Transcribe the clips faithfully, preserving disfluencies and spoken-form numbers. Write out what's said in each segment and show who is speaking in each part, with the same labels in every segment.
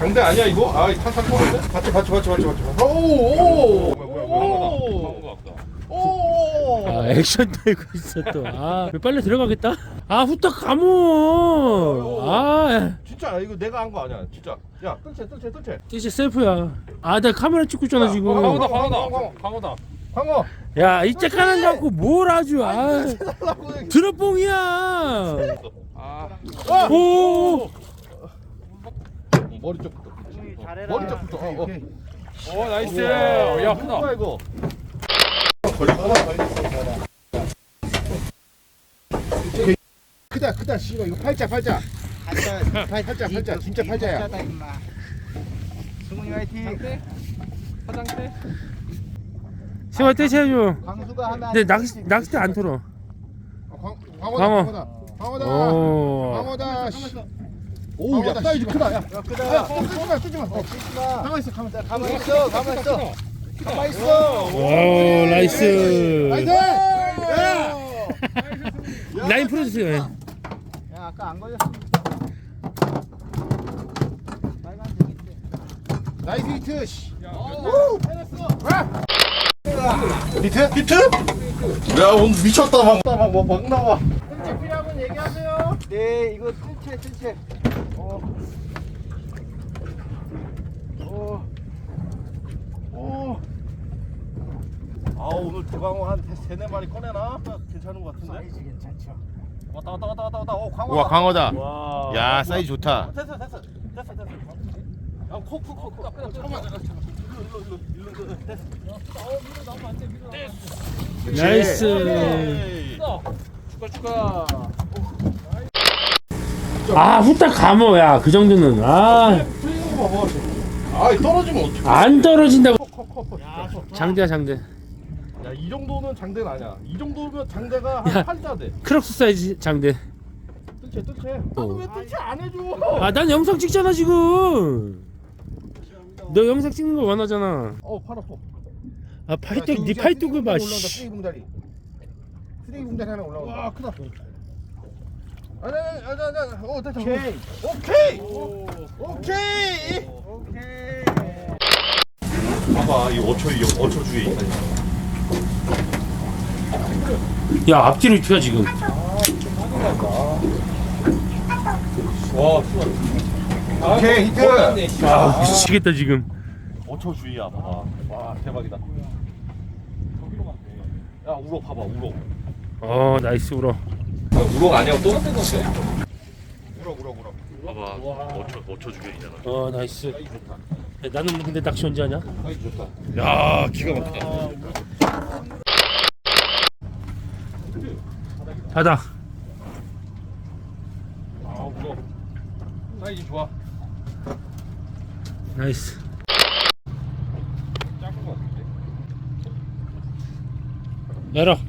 Speaker 1: 장대 아니야 이거? 아 탄탄 터는데? 받쳐 받쳐 받쳐 받쳐 받쳐. 오오. 뭐야 뭐야 오.
Speaker 2: 아 액션 들고 있어 또. 아 빨리 들어가겠다. 아 후딱 감어. 아
Speaker 1: 진짜 이거 내가 한 거 아니야 진짜. 야 뜰채 뜰채 뜰채.
Speaker 2: 이제 셀프야. 아 내가 카메라 찍고 있잖아 지금.
Speaker 1: 광어다 광어다 광어다. 광어.
Speaker 2: 야 이제 까는 거 갖고 뭘 아주. 아 드롭봉이야.
Speaker 1: 아.
Speaker 2: 오.
Speaker 1: 머리 쪽부터.
Speaker 3: 잘해라.
Speaker 1: 머리 쪽부터. 어, 어.
Speaker 4: 오 나이스. 야 크다.
Speaker 1: 뭐야 이거? 크다 크다 씨발 이거 팔자 팔자. 팔자 팔자 팔자 진짜 팔자야.
Speaker 3: 승훈이 화이팅.
Speaker 4: 화장대.
Speaker 2: 세월 떼셔야죠.
Speaker 3: 광수가 하면
Speaker 2: 근데 낚시 낚싯대 안 털어.
Speaker 1: 광
Speaker 2: 광어.
Speaker 1: 광어다 광어다
Speaker 2: 오.
Speaker 1: 광어다. 오, 야 사이즈 크다. 야,
Speaker 3: 야, 크다.
Speaker 1: 야, 쓰지 마, 쓰지 마. 어,
Speaker 3: 쓰지 마.
Speaker 1: 가만 있어, 가만 있어.
Speaker 3: 가만 있어. 가만 있어.
Speaker 1: 가만 있어.
Speaker 2: 오 나이스.
Speaker 1: 나이스. 야,
Speaker 2: 라인 풀어주세요.
Speaker 3: 야, 아까 안 걸렸어. 빨간색인데.
Speaker 1: 나이스 히트. 씨. 우! 히트? 히트? 야, 오늘 미쳤다 막, 막, 막, 막 나와.
Speaker 3: 뜰채 필요하면 얘기하세요. 네, 이거 뜰채, 뜰채. 어. 어.
Speaker 1: 오. 아, 오늘 대광어 한 세네 마리 꺼내나? 괜찮은 것 같은데?
Speaker 3: 사이즈 괜찮죠.
Speaker 1: 왔다, 왔다, 왔다, 왔다, 왔다. 오, 광어다.
Speaker 5: 우와 광어다.
Speaker 1: 와.
Speaker 5: 야 사이즈 좋다.
Speaker 1: 됐어, 됐어, 됐어, 됐어. 야, 코, 코, 코, 코. 잠깐만, 잠깐만, 잠깐만. 일로, 일로, 일로, 일로, 됐어.
Speaker 2: 나이스.
Speaker 1: 에이.
Speaker 4: 축하 축하.
Speaker 2: 아 후딱 감어야 그 정도는. 아.
Speaker 1: 풀리는 거 봐봐. 아, 떨어지면 어떡해.
Speaker 2: 안 떨어진다고.
Speaker 1: 커, 커, 커.
Speaker 2: 장대야 장대.
Speaker 1: 야, 이 정도는 장대는 아니야. 이 정도면 장대가
Speaker 2: 야.
Speaker 1: 한 팔자 돼.
Speaker 2: 크록스 사이즈 장대.
Speaker 1: 뜰채, 뜰채.
Speaker 2: 어.
Speaker 1: 나도 왜 뜰채 안 해줘?
Speaker 2: 아 난 영상 찍잖아 지금. 너 영상 찍는 거 원하잖아.
Speaker 1: 어, 팔 아파.
Speaker 2: 아 팔뚝 네 팔뚝을 봐.
Speaker 1: 올라온다.
Speaker 2: 씨.
Speaker 1: 쓰레기 봉다리. 쓰레기 봉다리 하나 올라온다. 와, 크다. 아니, 아니, 아니, 아니, 아니. 어, 됐다.
Speaker 3: 오케이.
Speaker 1: 오케이. 오케이.
Speaker 3: 오케이.
Speaker 5: 봐봐 이 어초 이 어초 주에 있다.
Speaker 2: 야 앞뒤로 튀어 지금.
Speaker 1: 와, 오케이, 히트.
Speaker 2: 아 미치겠다 지금.
Speaker 1: 어초 주의야, 봐봐. 와, 대박이다. 야, 우럭 봐봐, 우럭.
Speaker 2: 어 나이스 울어.
Speaker 4: 우럭 아니야 또?
Speaker 1: 우럭, 우럭, 우럭.
Speaker 5: 봐봐 어초 어초 주변이잖아.
Speaker 2: 어 나이스. 야, 나는 근데 낚시 언제 하냐?
Speaker 1: 사이즈 좋다.
Speaker 5: 야 기가 막히다.
Speaker 2: 바다.
Speaker 1: 아, 우럭. 사이즈 좋아.
Speaker 2: 나이스.
Speaker 1: 작은 거 같은데.
Speaker 2: 열어.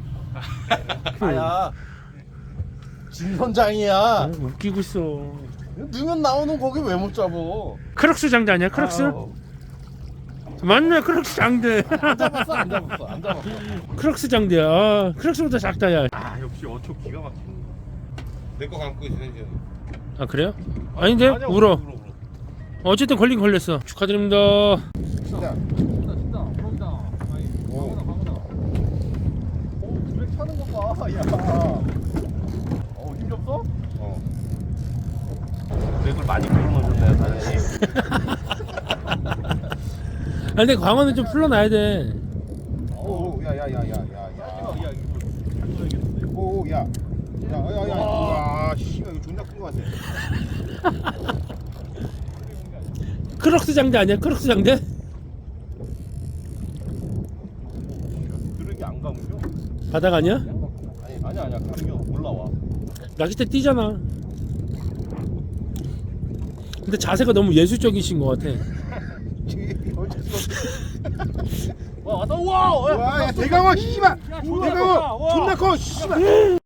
Speaker 1: 아야. 진선장이야.
Speaker 2: 아, 웃기고 있어.
Speaker 1: 넣으면 나오는 고기 왜 못 잡어?
Speaker 2: 크록스 장대 아니야? 크록스?
Speaker 1: 아유,
Speaker 2: 맞네 크록스 장대.
Speaker 1: 안 잡았어, 안 잡았어, 안 잡았어.
Speaker 2: 크록스 장대야. 아, 크록스보다 작다 야.
Speaker 5: 아 역시 어초 기가 막히네. 내거 감고 있어 이제.
Speaker 2: 아 그래요? 아닌데?
Speaker 1: 아니야,
Speaker 2: 울어.
Speaker 1: 울어, 울어.
Speaker 2: 어쨌든 걸린 걸렸어. 축하드립니다.
Speaker 1: 진짜.
Speaker 4: 진짜 진짜 그런다.
Speaker 1: 오.
Speaker 4: 방어다 방어다.
Speaker 1: 오, 드랙 타는 거 봐. 야. 어, 힘 줬어? 어. 드랙을 많이 풀어놓으셨네요, 사장님.
Speaker 2: 아 근데 광어는 좀 풀러놔야 돼.
Speaker 1: 오, 야, 야, 야, 야, 야, 야. 야, 이거 오, 야. 야, 야, 야. 와, 씨발 이거 존나 큰 거 같아.
Speaker 2: 크록스 장대 아니야? 크록스 장대?
Speaker 1: 드랙이 안 감겨?
Speaker 2: 바닥 아니야?
Speaker 1: 아니, 아니야, 아니야. 감겨. 올라와.
Speaker 2: 낚싯대 뛰잖아. 근데 자세가 너무 예술적이신 것 같아.
Speaker 1: 와, 왔다. 와, 야, 대강어 씨발. 대강어 존나 커 씨발.